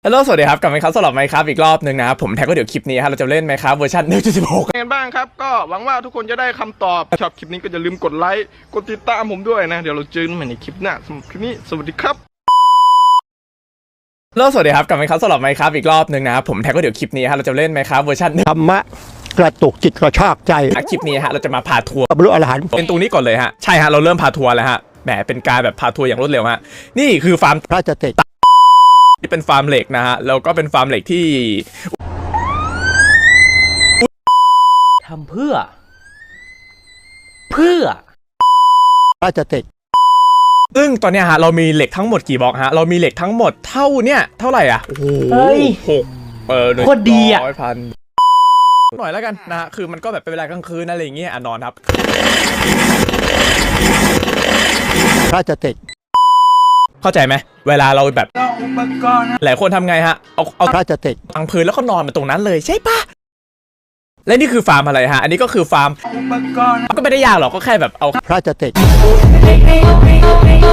ฮัลโหลสวัสดีครับกลับมาครับสำหรับไมค์ครับอีกรอบหนึ่งนะครับผมแท็กก็เดี๋ยวคลิปนี้เราจะเล่นไมค์ครับเวอร์ชัน 1.16 กันบ้างครับก็หวังว่าทุกคนจะได้คำตอบชอบคลิปนี้ก็อย่าลืมกดไลค์กดติดตามผมด้วยนะเดี๋ยวเราเจอกันใหม่ในคลิปหน้าสำหรับคลิปนี้สวัสดีครับฮัลโหลสวัสดีครับกลับมาครับสำหรับไมค์ครับอีกรอบหนึ่งนะครับผมแท็กก็เดี๋ยวคลิปนี้เราจะเล่นไมค์ครับเวอร์ชันธรรมะกระตุกจิตกระชากใจคลิปนี้เราจะมาพาทัวร์บรรลุอรหันต์เป็นตรงนี้ก่อนเลยฮะใช่ฮะเราเริ่มพาทัวร์แล้วฮะแหมเป็นการแบบพาทัวร์อย่างรวดเร็วฮะนี่คือฟาร์มพระจะเตะที่เป็นฟาร์มเหล็กนะฮะแล้วก็เป็นฟาร์มเหล็กที่ทำเพื่อพระจะเตะซึ่งตอนเนี้ยฮะเรามีเหล็กทั้งหมดกี่บล็อกฮะเรามีเหล็กทั้งหมดเท่าไหร่อ่ะโอ้โหเฮ้ยหกโคตรดีอะ 100,000หน่อยแล้วกันนะฮะคือมันก็แบบเป็นเวลากลางคืนอะไรอย่างเงี้ยนอนครับพระจะเตะเข้าใจไหมเวลาเราแบบหลายคนทำไงฮะเอาพระจะเตะวางพื้นแล้วก็นอนมาตรงนั้นเลยใช่ปะและนี่คือฟาร์มอะไรฮะอันนี้ก็คือฟาร์มก็ไม่ได้ยากหรอกก็แค่แบบเอาพระจะเตะ